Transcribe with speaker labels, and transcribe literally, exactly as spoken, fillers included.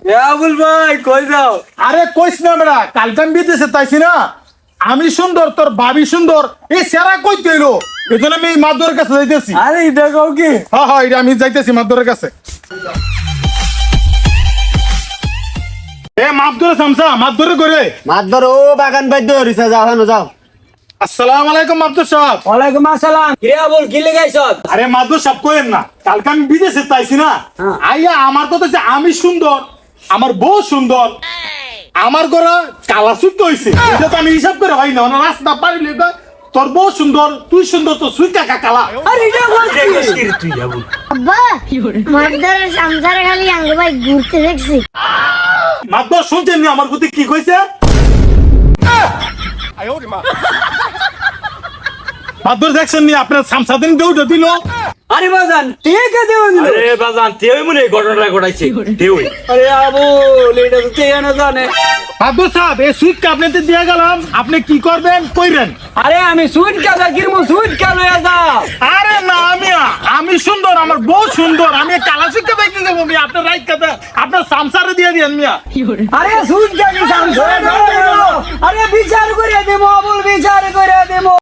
Speaker 1: আবুল ভাই কই যাও?
Speaker 2: আরে কইস না বেড়া, কালকে আমি বিদেশে তাইছি না, আমি সুন্দর তোর ভাবি সুন্দর, এই সেরা কই তৈলো, এই জন্য আমি মাদুরের কাছে যাইতেছি।
Speaker 1: আরে এটা কও কি?
Speaker 2: হ্যাঁ হ্যাঁ, এটা আমি যাইতেছি মাদুরের কাছে। এ মাপ ধরে সামসা, মাপ ধরে করে।
Speaker 3: মাতবর ও বাগান বাদ্য হরিসা যাও হানো যাও।
Speaker 2: আসসালামু আলাইকুম মাদুর সাহেব।
Speaker 1: ওয়ালাইকুম আসসালাম। কি রে আবুল, কি লাগাইছ?
Speaker 2: আরে মাদুর সাহেব কইেন না, কালকে আমি বিদেশে তাইছি না,
Speaker 1: হ্যাঁ।
Speaker 2: আইয়া আমার কথা হচ্ছে আমি সুন্দর, আমার বউ সুন্দর, আমার ঘরে কালা সুট হইছে, এটা তো আমি হিসাব করে হয় না, না রাস্তা পারিলে কয়, তোর বউ সুন্দর, তুই সুন্দর, তো সুই কাকা কালা।
Speaker 1: আরে এটা কও কি?
Speaker 2: তুই আবুল
Speaker 4: আব্বা মারদারের সংসারে খালি আঙ্গ ভাই ঘুরতে দেখছি।
Speaker 2: মাদুর শুনছেন নি আমার প্রতি কি কইছে? মাদুর দেখছেন নি আপনার সামসাদিন দৌড় দিল।
Speaker 1: আরে বাজান ঠিক আছে দিল।
Speaker 5: আরে বাজান তেই মনে এই ঘটনাটা ঘটাইছে তেই।
Speaker 1: আরে আবুল এটা তো কে না জানে।
Speaker 2: মাদুর সাহেব এই সুইটটা আপনাকে দিয়ে গেলাম, আপনি কি করবেন কইরেন।
Speaker 1: আরে আমি সুইট কাজা কিরমু সুইট কা লয়া যা।
Speaker 2: আরে না আমি আমি সুন্দর, আমার বউ সুন্দর, আমি কালা সুইটটা দেখতে যাবো মিয়া, আপনার রাইট কথা আপনার সামসারে দিয়ে দিয়েন মিয়া।
Speaker 1: আরে সুইট কা কি সামনে? আরে বিচার করে দেবো আবুল, বিচার করে দেবো।